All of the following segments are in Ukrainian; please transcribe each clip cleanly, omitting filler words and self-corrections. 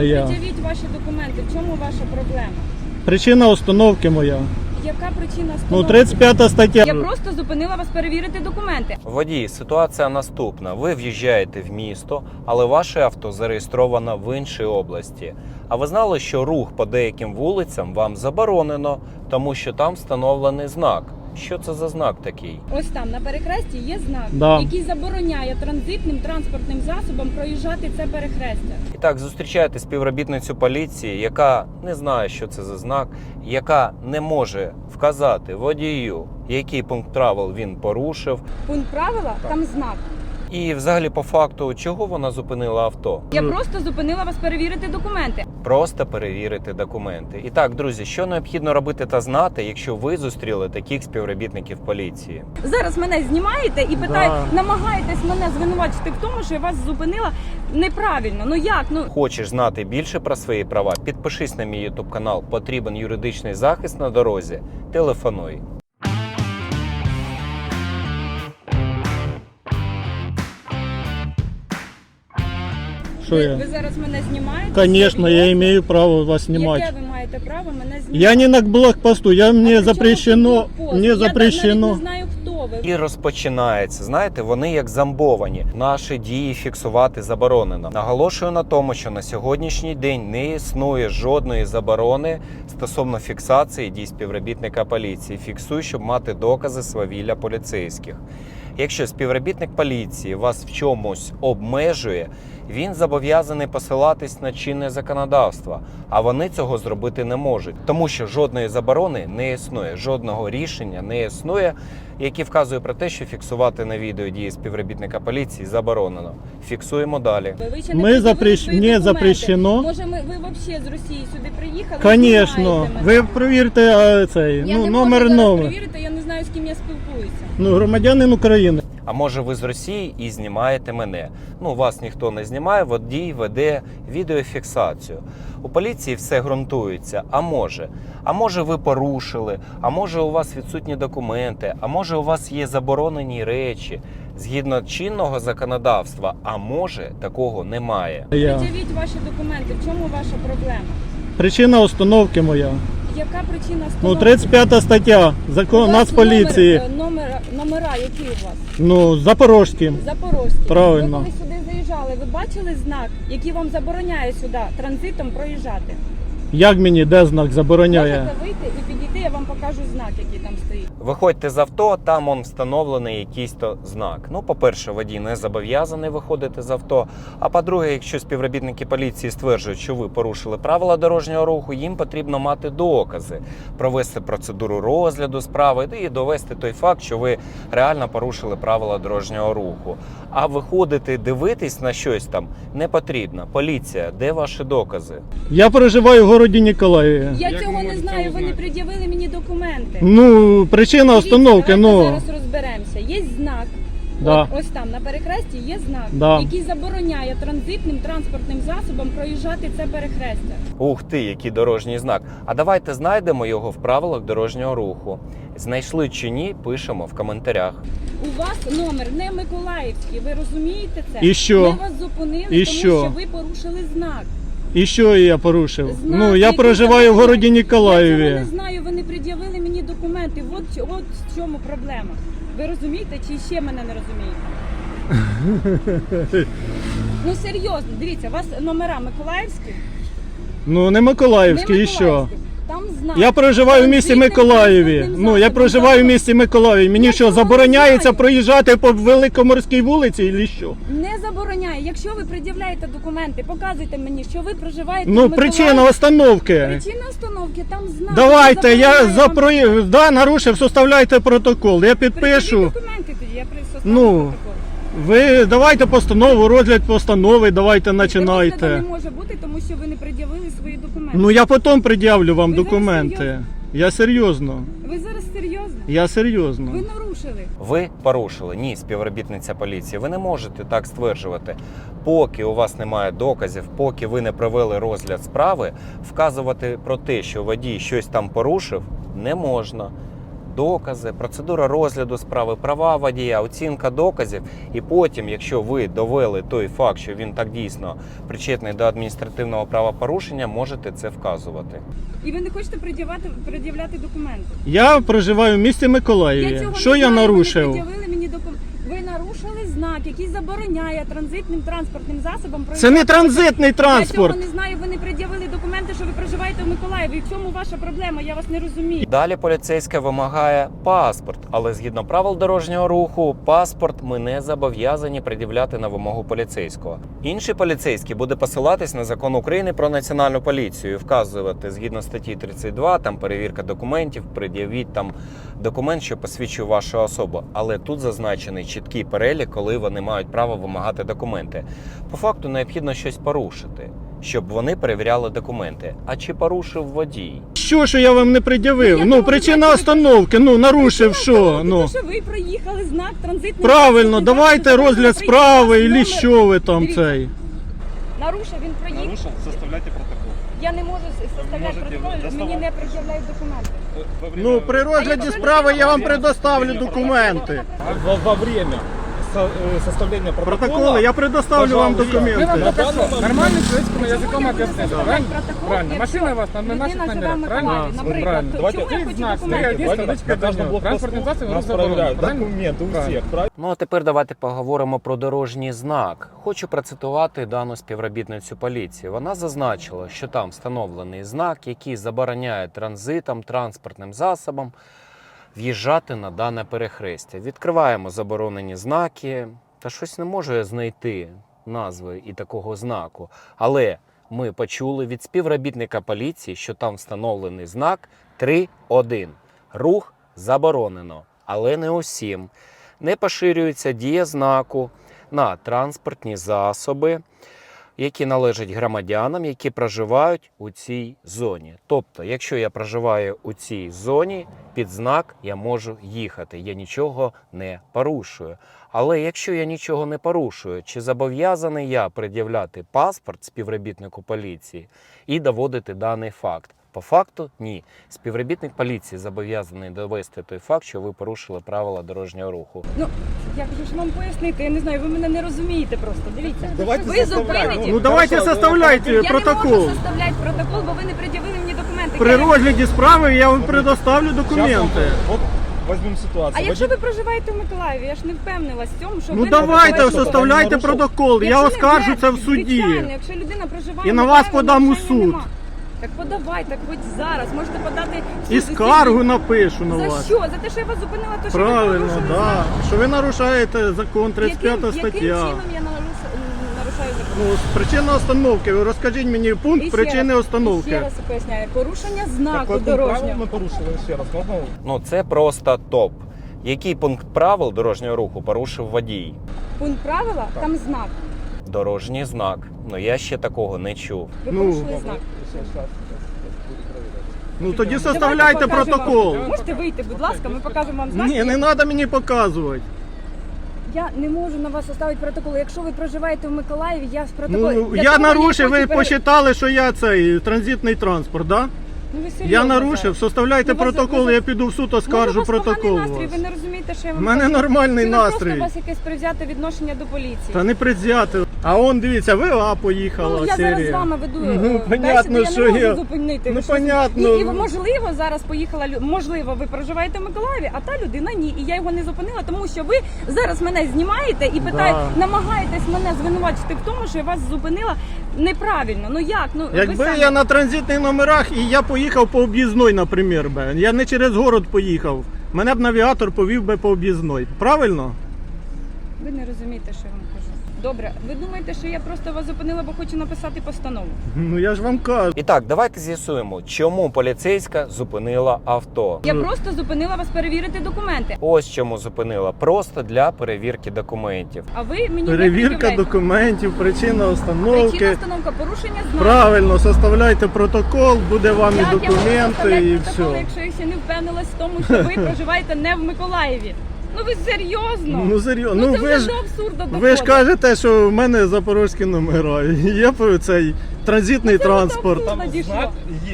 Пред'явіть ваші документи. В чому ваша проблема? Причина остановки моя. Яка причина Ну, остановки? 35 стаття. Я просто зупинила вас перевірити документи. Водій, ситуація наступна. Ви в'їжджаєте в місто, але ваше авто зареєстровано в іншій області. А ви знали, що рух по деяким вулицям вам заборонено, тому що там встановлений знак. Що це за знак такий? Ось там на перехресті є знак, Да. який забороняє транзитним транспортним засобам проїжджати це перехрестя. І так, зустрічаєте співробітницю поліції, яка не знає, що це за знак, яка не може вказати водію, який пункт правил він порушив. Пункт правила, там знак. І взагалі по факту, чого вона зупинила авто? Я просто зупинила вас перевірити документи. Просто перевірити документи. І так, друзі, що необхідно робити та знати, якщо ви зустріли таких співробітників поліції? Зараз мене знімаєте і намагаєтесь мене звинувачити в тому, що я вас зупинила неправильно. Ну як? Ну Хочеш знати більше про свої права? Підпишись на мій YouTube канал. Потрібен юридичний захист на дорозі. Телефонуй. Що я? ви зараз мене знімаєте? Конечно, я имею право вас Яке снимать. ви маєте право мене знімати? Я не на блокпосту, А мне при чому запрещено, тут блокпост? мне Я навіть запрещено. не знаю, хто ви. І розпочинається. Знаєте, вони як зомбовані. Наші дії фіксувати заборонено. Наголошую на тому, що на сьогоднішній день не існує жодної заборони стосовно фіксації дій співробітника поліції. Фіксуй, щоб мати докази свавілля поліцейських. Якщо співробітник поліції вас в чомусь обмежує, він зобов'язаний посилатись на чинне законодавство, а вони цього зробити не можуть, тому що жодної заборони не існує, жодного рішення не існує, яке вказує про те, що фіксувати на відео дії співробітника поліції заборонено. Фіксуємо далі. Ви ще Ми не пред'явили свої мені документи. запрещено. Може, ви взагалі з Росії сюди приїхали? Конечно. знімаєте мене? Ви перевірте цей, Я ну, не номер можу зараз номер. перевірити, я не знаю, з ким я спілкуюся. Ну, громадянин України. А може ви з Росії і знімаєте мене? Ну, вас ніхто не знімає, водій веде відеофіксацію. У поліції все ґрунтується. А може ви порушили, а може у вас відсутні документи, а може у вас є заборонені речі згідно чинного законодавства, а може такого немає. Пред'явіть ваші документи, в чому ваша проблема? Причина остановки моя. Яка причина Ну, остановки? 35 стаття Закон У вас Нацполіції. Номера які у вас? Ну, Запорожські. Запорозькі. Правильно. Ви коли сюди заїжджали, ви бачили знак, який вам забороняє сюди транзитом проїжджати? Як мені, де знак забороняє? Можете вийти і підійти, я вам покажу знак, який там стоїть. Виходьте з авто, там он встановлений якийсь то знак. Ну, по-перше, водій не зобов'язаний виходити з авто. А по-друге, якщо співробітники поліції стверджують, що ви порушили правила дорожнього руху, їм потрібно мати докази, провести процедуру розгляду справи і довести той факт, що ви реально порушили правила дорожнього руху. А виходити, дивитись на щось там не потрібно. Поліція, де ваші докази? Я проживаю в городі Ніколаєві. Я цього не знаю, ви не пред'явили мені документи. Ну, причина Дивіться, остановки, давайте ну. зараз розберемося. Є знак. Да. Ось там на перехресті є знак, Да. який забороняє транзитним транспортним засобам проїжджати це перехрестя. Ух ти, який дорожній знак. А давайте знайдемо його в правилах дорожнього руху. Знайшли чи ні, пишемо в коментарях. У вас номер не Миколаївський, ви розумієте це? І що? Ми вас зупинили, І тому що? що ви порушили знак. І що я порушив? Знак, Ну, я який проживаю в забороняє. городі Я Ніколаєві. цього не знаю, ви не пред'явили мені документи. От в чому проблема. Ви розумієте чи ще мене не розумієте? Ну серйозно, дивіться, у вас номера Миколаївські? Ну, не Миколаївський, Не і що? Миколаївські. Там знак. Я проживаю в місті Транзитним Миколаєві. транспортним Ну, я засобом. проживаю в місті Миколаєві. Мені Я що, цього не забороняється знаю. проїжджати по Великоморській вулиці, чи що? Не забороняє. Якщо ви пред'являєте документи, показуйте мені, що ви проживаєте в Ну, Миколаєві. причина остановки. Причина остановки, там знак. Давайте, який я забороняє за вам- проїзд, да, нарушив, составляйте протокол. Я Пред'явіть підпишу. документи тоді, я составлю Ну, протокол. Ви давайте постанову, розгляд постанови, давайте Розгляду починайте. не може бути, тому що ви не пред'явили свої документи. Ну, я потім пред'явлю вам Ви зараз документи. серйозно? Я серйозно. Ви зараз серйозно? Я серйозно. Ви нарушили. Ви порушили. Ні, співробітниця поліції. Ви не можете так стверджувати. Поки у вас немає доказів, поки ви не провели розгляд справи, вказувати про те, що водій щось там порушив, не можна. докази, процедура розгляду справи, права водія, оцінка доказів. І потім, якщо ви довели той факт, що він так дійсно причетний до адміністративного правопорушення, можете це вказувати. І ви не хочете пред'являти документи. Я проживаю в місті Я Миколаєві. цього Що не я знаю, нарушив? Ви не пред'явили мені документи. Ви нарушили знак, який забороняє транзитним транспортним засобам Це не транзитний Я транспорт. цього не знаю, ви не пред'явили документи, що ви проживаєте в Миколаєві. І в чому ваша проблема? Я вас не розумію. Далі поліцейська вимагає паспорт, але згідно правил дорожнього руху, паспорт ми не зобов'язані пред'являти на вимогу поліцейського. Інший поліцейський буде посилатись на закон України про національну поліцію і вказувати згідно статті 32, там перевірка документів, пред'явіть там документ, що посвідчує вашу особу. Але тут зазначений чіткий перелік, коли вони мають право вимагати документи. По факту необхідно щось порушити, щоб вони перевіряли документи. А чи порушив водій? Що я вам не пред'явив? Я Ну, того причина не знаю. остановки, ну, нарушив що? Ну, Ну. що ви проїхали знак транзитний. Правильно, транспортний давайте засіб, розгляд ви справи, проїхали і номер. що ви там Дивіться. цей? Нарушив, він проїхав. Нарушил, составляйте протокол. Я не можу составляти можете протокол, мені доставати. не пред'являють документи. Во время- Ну, при розгляді якщо справи я вам людина- предоставлю документи. Во время составления протокола... Протоколи, я предоставлю вам Пожалуйста. документи. Нормальным человеческим языком Якщо ви объясните, будете правильно? протокол, Правильно. якщо Машина у вас на наших людина живе в номерах, правильно? Миколаєві, Вот наприклад, правильно. то Давайте чому я стоит хочу знак, документи? стоит Давайте табличка на каждом «Транспортный блокпосту засоб нас заборонен». проверяют Правильно? документы у Правильно. всех, правильно? Ну а тепер давайте поговоримо про дорожній знак. Хочу процитувати дану співробітницю поліції. Вона зазначила, що там встановлений знак, який забороняє транзитам, транспортним засобам в'їжджати на дане перехрестя. Відкриваємо заборонені знаки. Та щось не можу я знайти назви і такого знаку. Але ми почули від співробітника поліції, що там встановлений знак 3.1. Рух заборонено, але не усім. Не поширюється дія знаку на транспортні засоби, які належать громадянам, які проживають у цій зоні. Тобто, якщо я проживаю у цій зоні, під знак я можу їхати, я нічого не порушую. Але якщо я нічого не порушую, чи зобов'язаний я пред'являти паспорт співробітнику поліції і доводити даний факт? По факту ні. Співробітник поліції зобов'язаний довести той факт, що ви порушили правила дорожнього руху. Ну, я хочу ж вам пояснити, я не знаю, ви мене не розумієте просто. Дивіться, Давайте ви составляйте. зупините. Ну, давайте Хорошо, составляйте Я не протокол. можу составляти протокол, бо ви не пред'явили мені документи. При розгляді справи я вам предоставлю Сейчас документи. вот возьмем ситуацию. А якщо ви проживаєте в Миколаєві, я ж не впевнилась в цьому, що Ну ви давайте проживаєте. составляйте нарушив. протокол, я Якщо оскаржу не це в звичайно, суді. якщо людина проживає І в на вас Миколаєві, подам у нарушення суд. нема. Так подавайте, хоч зараз. Можете подати в І суд скаргу напишу на За вас. що? За те, що я вас зупинила, то що ви Правильно, порушили да. знак? Що ви нарушаєте закон 35 Яким стаття. чином я нарушаю закон? Ну, причина остановки. Ви розкажіть мені І пункт ще причини раз, і остановки. ще раз поясняю. Порушення Какой знаку пункт правил дорожнього. мы порушили еще раз? Можно? Ну це просто топ. Який пункт правил дорожнього руху порушив водій? Пункт правила, там знак. Дорожній знак. Ну я ще такого не чув. Ви Ну, порушили знак. Сейчас буду проверять. Ну тоді Давайте составляйте покажемо протокол. вам. Можете вийти, будь ласка, ми покажемо вам знак. Ні, не треба мені показувати. Я не можу на вас составити протокол. Якщо ви проживаєте в Миколаєві, я з протоколу. Ну, Для я того нарушив, хочу ви посчитали, що я цей транзитний транспорт, да? Ну, ви серйозно Я нарушив, зараз? составляйте Ну, вас- протокол, ви- я піду в суд, Може, оскаржу у вас поганий протокол. настрій, вас. ви не розумієте, що я У вам мене кажу? нормальний Чи ви просто настрій. у вас якесь привзяте відношення до поліції? Та не предвзяти. А он, дивіться, ВА поїхала Ну, я зараз з серія. вами веду Ну, бесіду, понятно, я що не можу я- зупинити. Ну, Ви що? понятно. І можливо, зараз поїхала можливо, ви проживаєте в Миколаєві, а та людина ні. І я його не зупинила, тому що ви зараз мене знімаєте і питаєте, намагаєтесь мене звинувачити в тому, що я вас зупинила неправильно. Ну як? Ну ви Якби самі- я на транзитних номерах і я поїхав по об'їзної, наприклад, я не через город поїхав, мене б навігатор повів би по об'їзної. Правильно? Ви не розумієте, що я вам кажу. Добре, ви думаєте, що я просто вас зупинила, бо хочу написати постанову? Ну я ж вам кажу. І так, давайте з'ясуємо, чому поліцейська зупинила авто. Я просто зупинила вас перевірити документи. Ось чому зупинила. Просто для перевірки документів. А ви мені не Перевірка пред'являєте. документів, причина Причина остановки. остановка, порушення знаку. Правильно, составляйте протокол, буде вам і Як я можу документи, составляти і протокол, все. якщо я ще не впевнилась в тому, що ви проживаєте не в Миколаєві? Ну ви серйозно? Ну серйозно, Ну, ну це ви вже ж до абсурду доходить. ви ж кажете, що в мене запорозькі номера. Є цей транзитний Ну, це вже до транспорт. абсурду. Там Надійшло. знак есть.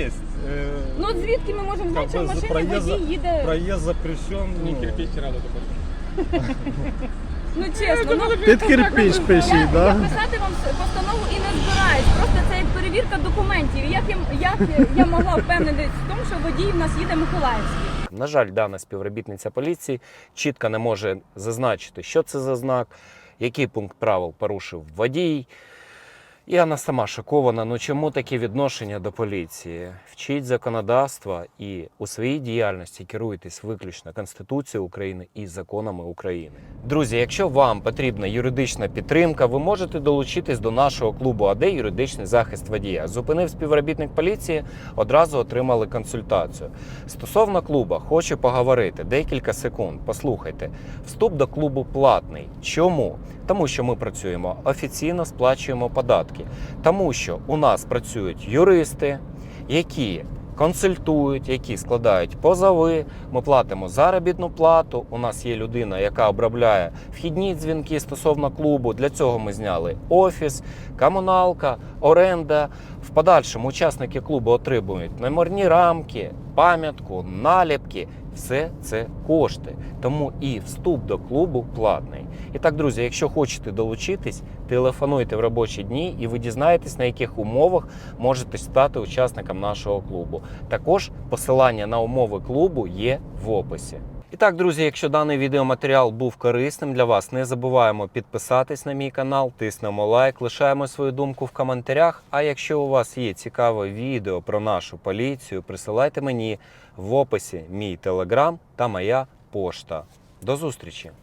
Ну от звідки ми можемо знати, що в машині водій їде? Проезд запрещен. Ні, кирпич рядом добавити. Ну чесно, ну Під кирпич пишіть, я да? писати вам постанову і не збираюсь. Просто це як перевірка документів. Як я могла впевнитись в тому, що водій в нас їде Миколаївський? На жаль, дана співробітниця поліції чітко не може зазначити, що це за знак, який пункт правил порушив водій. І вона сама шокована, ну чому таке відношення до поліції? Вчіть законодавства і у своїй діяльності керуйтесь виключно Конституцією України і законами України. Друзі, якщо вам потрібна юридична підтримка, ви можете долучитись до нашого клубу АД «Юридичний захист водія». Зупинив співробітник поліції, одразу отримали консультацію. Стосовно клуба, хочу поговорити декілька секунд. Послухайте, вступ до клубу платний. Чому? Тому що ми працюємо офіційно, сплачуємо податки. Тому що у нас працюють юристи, які консультують, які складають позови, ми платимо заробітну плату, у нас є людина, яка обробляє вхідні дзвінки стосовно клубу, для цього ми зняли офіс, комуналка, оренда. В подальшому учасники клубу отримують номерні рамки, пам'ятку, наліпки. Все це кошти, тому і вступ до клубу платний. І так, друзі, якщо хочете долучитись, телефонуйте в робочі дні і ви дізнаєтесь, на яких умовах можете стати учасником нашого клубу. Також посилання на умови клубу є в описі. І так, друзі, якщо даний відеоматеріал був корисним для вас, не забуваємо підписатись на мій канал, тиснемо лайк, лишаємо свою думку в коментарях. А якщо у вас є цікаве відео про нашу поліцію, присилайте мені в описі мій телеграм та моя пошта. До зустрічі!